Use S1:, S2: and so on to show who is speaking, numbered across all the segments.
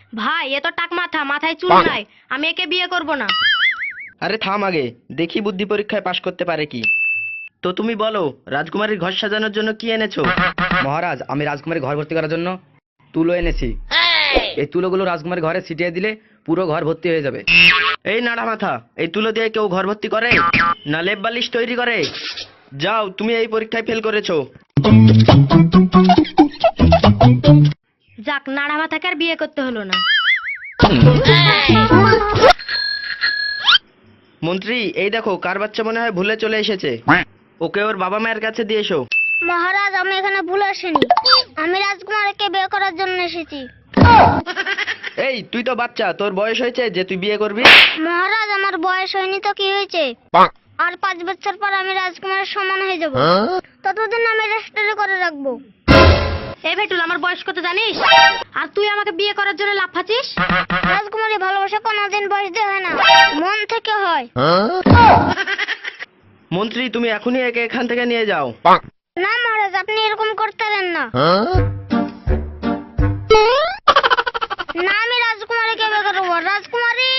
S1: ভাই এ তো টাক মাথা, মাথায় চুল নাই, আমি একে বিয়ে করব না।
S2: আরে থাম আগে, দেখি বুদ্ধি পরীক্ষায় পাশ করতে পারে কি। তো তুমি বলো, রাজকুমারীর ঘর সাজানোর জন্য কি এনেছো?
S3: মহারাজ, আমি রাজকুমারী ঘর ভর্তি করার জন্য তুলো এনেছি। এই তুলোগুলো রাজকুমারী ঘরে ছিটিয়ে দিলে পুরো ঘর ভর্তি হয়ে যাবে।
S2: এই নাড়া মাথা, এই তুলো দিয়ে কেউ ঘর ভর্তি করে না লেপ বালিশ তৈরি করে? যাও, তুমি এই পরীক্ষায় ফেল করেছো।
S1: যাক, নাড়া মাথাকে আর বিয়ে করতে হলো না।
S2: মন্ত্রী, এই দেখো কার বাচ্চা মনে হয় ভুলে চলে এসেছে। ওকে ওর বাবা মায়ের কাছে দিয়ে এসো।
S4: মহারাজ, আমি এখানে ভুলে আসিনি, আমি রাজকুমারীকে বিয়ে করার জন্য এসেছি।
S2: এই তুই তো বাচ্চা, তোর বয়স হয়েছে যে তুই বিয়ে করবি?
S4: মহারাজ, আমার বয়স হয়নি তো কি হয়েছে, আর 5 বছর পর আমি রাজকুমারের সমান হয়ে যাব, ততদিন আমি রেজিস্ট্রি করে রাখবো।
S1: এই ভেটুল, আমার বয়স কত জানিস? আর তুই আমাকে বিয়ে করার জন্য লাফাচ্ছিস?
S4: রাজকুমারী ভালোবাসা কোনোদিন বয়স দিয়ে হয় না, মন থেকে হয়।
S2: মন্ত্রী, তুমি এখনই একে এখান থেকে নিয়ে যাও।
S4: না মহারাজ, আপনি এরকম করতে পারেন না। না, আমি রাজকুমারীকে বিয়ে করবো। রাজকুমারী,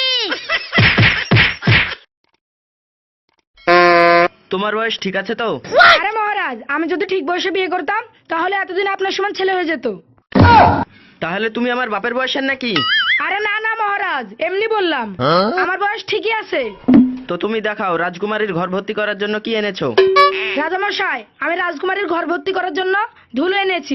S2: তোমার বয়স ঠিক আছে তো?
S5: আরে মহারাজ, আমি যদি ঠিক বয়সে বিয়ে করতাম তাহলে এতদিন আপনার সমান ছেলে হয়ে যেত।
S2: তাহলে তুমি আমার বাপের বয়সের নাকি?
S5: আরে না না মহারাজ, এমনি বললাম, আমার বয়স ঠিকই আছে।
S2: তো তুমি দেখাও রাজকুমারীর ঘর ভর্তি করার জন্য কি এনেছো।
S5: রাজামশাই, আমি রাজকুমারীর ঘর ভর্তি করার জন্য ধুলো এনেছি।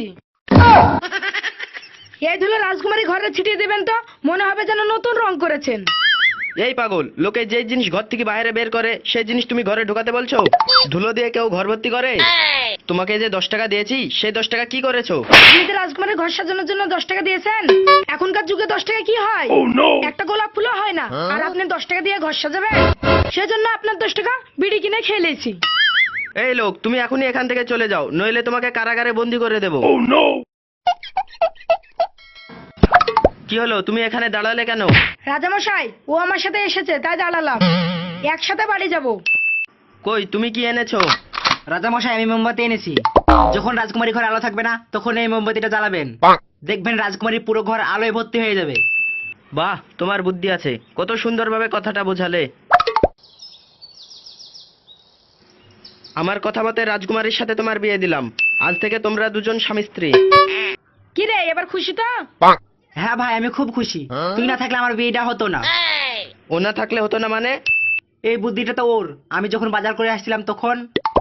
S5: এই ধুলো রাজকুমারী ঘরে ছিটিয়ে দেবেন তো মনে হবে যেন নতুন রং করেছেন।
S2: এই পাগল, লোকে যে জিনিস ঘর থেকে বাইরে বের করে সেই জিনিস তুমি ঘরে ঢোকাতে বলছো? ধুলো দিয়ে কেউ ঘর ভর্তি করে? তোমাকে যে 10 টাকা দিয়েছি সেই 10 টাকা কি করেছো?
S5: আপনি তো রাজকুমারীর ঘর সাজানোর জন্য 10 টাকা দিয়েছেন। এখনকার যুগে 10 টাকা কি হয়? একটা গোলাপ ফুলও হয় না, আর আপনি 10 টাকা দিয়ে ঘর সাজাবেন? সেজন্য আপনার 10 টাকা বিড়ি কিনে খেয়ে নিয়েছি।
S2: এই লোক, তুমি এখনই এখান থেকে চলে যাও, নইলে তোমাকে কারাগারে বন্দি করে দেবো। কি হলো, তুমি এখানে দাঁড়ালে কেন?
S5: রাজামশাই, ও আমার সাথে এসেছে তাই দাঁড়ালাম, একসাথে বাড়ি যাব।
S2: কই, তুমি কি এনেছো?
S3: রাজামশাই, আমি মোমবাতি এনেছি। যখন রাজকুমারী ঘরে আলো থাকবে না তখন এই মোমবাতিটা জ্বালাবেন, দেখবেন রাজকুমারী পুরো ঘর আলোয় ভর্তি হয়ে যাবে।
S2: বাহ, তোমার বুদ্ধি আছে, কত সুন্দরভাবে কথাটা বোঝালে। আমার কথা মতে রাজকুমারীর সাথে তোমার বিয়ে দিলাম। আজ থেকে তোমরা দুজন স্বামী স্ত্রী।
S5: কি রে, এবার খুশি তো?
S3: হ্যাঁ ভাই, আমি খুব খুশি। তুই না থাকলে আমার বিয়েটা হতো না।
S2: ও না থাকলে হতো না মানে?
S3: এই বুদ্ধিটা তো ওর। আমি যখন বাজার করে আসছিলাম তখন।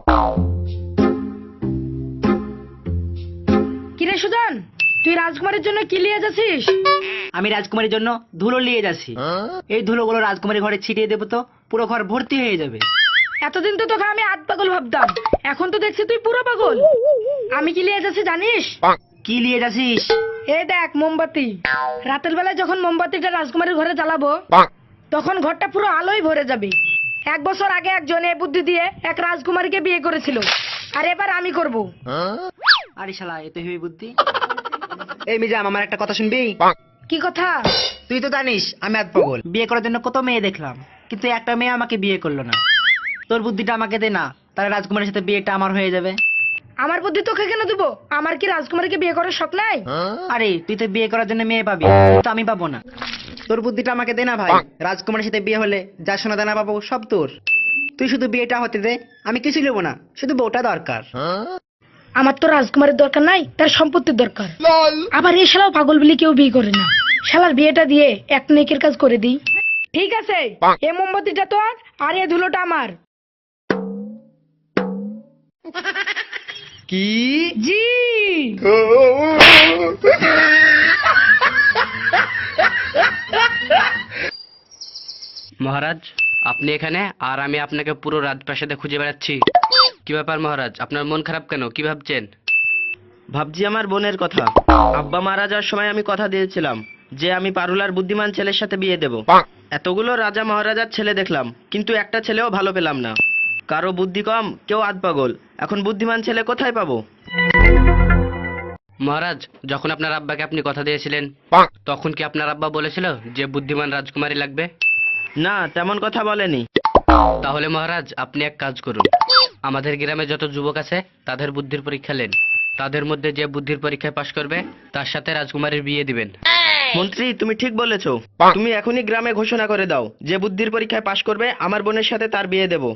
S5: কি রে সুজন, তুই রাজকুমারীর জন্য কি নিয়ে যাচ্ছিস?
S3: আমি রাজকুমারীর জন্য ধুলো নিয়ে যাচ্ছি। এই ধুলোগুলো রাজকুমারী ঘরে ছিটিয়ে দেবো তো পুরো ঘর ভর্তি হয়ে যাবে।
S5: এতদিন তো তোকে আমি আধ পাগল ভাবতাম, এখন তো দেখছি তুই পুরো পাগল। আমি কি নিয়ে যাচ্ছি জানিস?
S3: কি নিয়ে যাচ্ছিস?
S5: এই দেখ, মোমবাতি। রাতের বেলায় যখন মোমবাতিটা রাজকুমারীর ঘরে জ্বালাবো তখন ঘরটা পুরো আলোয় ভরে যাবে। 1 বছর আগে একজন এই বুদ্ধি দিয়ে এক রাজকুমারীকে বিয়ে করেছিল, আর এবার আমি করব।
S3: আরে শালা, এ তো হেবি বুদ্ধি। এই মিজাম, আমার একটা কথা শুনবি?
S5: কি কথা?
S3: তুই তো জানিস আমি আধ পাগল। বিয়ে করার জন্য কত মেয়ে দেখলাম, কিন্তু একটা মেয়ে আমাকে বিয়ে করলো না। তোর বুদ্ধিটা আমাকে দে না, তাহলে রাজকুমারের সাথে বিয়েটা আমার হয়ে যাবে।
S5: আমার বুদ্ধি তোকে কেন দেবো? আমার কি রাজকুমারীকে বিয়ে করার শখ নাই?
S3: আরে তুই তো বিয়ে করার জন্য মেয়ে পাবি, তো আমি পাবো না। তোর বুদ্ধিটা আমাকে দে না ভাই, রাজকুমারের সাথে বিয়ে হলে যা সোনা দানা পাবো সব তোর। তুই শুধু বিয়েটা হতে দে, আমি কিছু নেবো না, শুধু বউটা দরকার।
S5: আমার তো রাজকুমারীর দরকার নাই, তার সম্পত্তির দরকার। আবার এই শালাও পাগল বলে কেউ বিয়ে করে না। শালার বিয়েটা দিয়ে এক নেকের কাজ করে দিই। ঠিক আছে, এই মোমবাতিটা তোর আর এই ধুলোটা আমার।
S2: কি?
S5: জি।
S6: মহারাজ, আপনি এখানে আর আমি আপনাকে পুরো রাজপ্রাসাদে খুঁজে বেড়াচ্ছি। কি ব্যাপার মহারাজ, আপনার মন খারাপ কেন? কি ভাবছেন?
S2: ভাবছি আমার বোনের কথা। আব্বা মারা যাওয়ার সময় আমি কথা দিয়েছিলাম যে আমি পারুলার বুদ্ধিমান ছেলের সাথে বিয়ে দেব। এতগুলো রাজা মহারাজার ছেলে দেখলাম, কিন্তু একটা ছেলেও ভালো পেলাম না। কারো বুদ্ধি কম, কেউ আধ পাগল। এখন বুদ্ধিমান ছেলে কোথায় পাবো?
S6: মহারাজ, যখন আপনার আব্বাকে আপনি কথা দিয়েছিলেন তখন কি আপনার আব্বা বলেছিল যে বুদ্ধিমান রাজকুমারী লাগবে?
S2: না, তেমন কথা বলেনি।
S6: তাহলে মহারাজ, আপনি এক কাজ করুন, আমাদের গ্রামে যত যুবক আছে তাদের বুদ্ধির পরীক্ষা নেন। তাদের মধ্যে যে বুদ্ধির পরীক্ষায় পাশ করবে তার সাথে রাজকুমারীর বিয়ে দিবেন।
S2: মন্ত্রী তুমি ঠিক বলেছো। তুমি এখনই গ্রামে ঘোষণা করে দাও যে বুদ্ধির পরীক্ষায় পাশ করবে আমার বোনের সাথে তার বিয়ে দেব।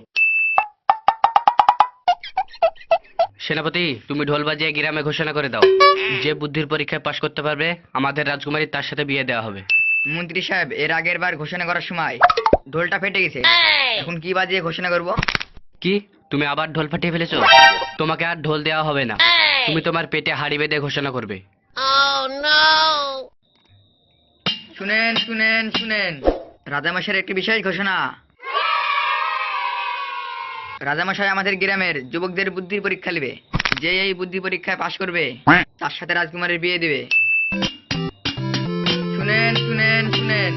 S6: সেনাপতি তুমি ঢোল বাজিয়ে গ্রামে ঘোষণা করে দাও, যে বুদ্ধির পরীক্ষায় পাশ করতে পারবে আমাদের রাজকুমারী তার সাথে বিয়ে দেওয়া হবে।
S7: মন্ত্রী সাহেব, এর আগের বার ঘোষণা করার সময় ঢোলটা ফেটে গেছে, এখন কি বাজিয়ে ঘোষণা করব?
S6: কি তুমি আবার ঢোল ফাটিয়ে ফেলেছো? তোমাকে আর ঢোল দেওয়া হবে না, তুমি তোমার পেটে হাড়ি বেঁধে ঘোষণা করবে।
S7: শুনেন শুনেন শুনেন, রাজামশাইয়ের একটি বিশেষ ঘোষণা। রাজামশাই আমাদের গ্রামের যুবকদের বুদ্ধির পরীক্ষা নেবে, যে এই বুদ্ধি পরীক্ষায় পাশ করবে তার সাথে রাজকুমারের বিয়ে দেবে। শুনেন শুনেন শুনেন।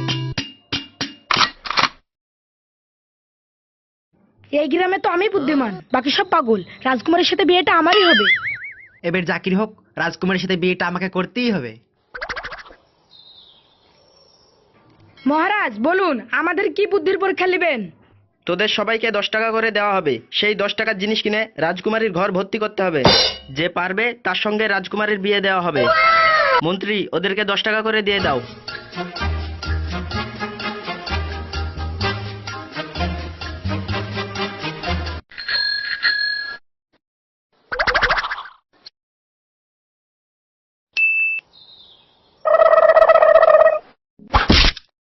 S5: এই গ্রামে তো আমি বুদ্ধিমান, বাকি সব পাগল। রাজকুমারের সাথে বিয়েটা আমারই হবে।
S3: এবার জাকির হোক, রাজকুমারের সাথে বিয়েটা আমাকে করতেই হবে।
S5: মহারাজ বলুন, আমাদের কি বুদ্ধির পরীক্ষা নেবেন?
S2: তোদের সবাইকে 10 টাকা করে দেওয়া হবে। সেই 10 টাকার জিনিস কিনে রাজকুমারীর ঘর ভর্তি করতে হবে। যে পারবে তার সঙ্গে রাজকুমারীর বিয়ে দেওয়া হবে। মন্ত্রী ওদেরকে 10 টাকা করে দিয়ে দাও।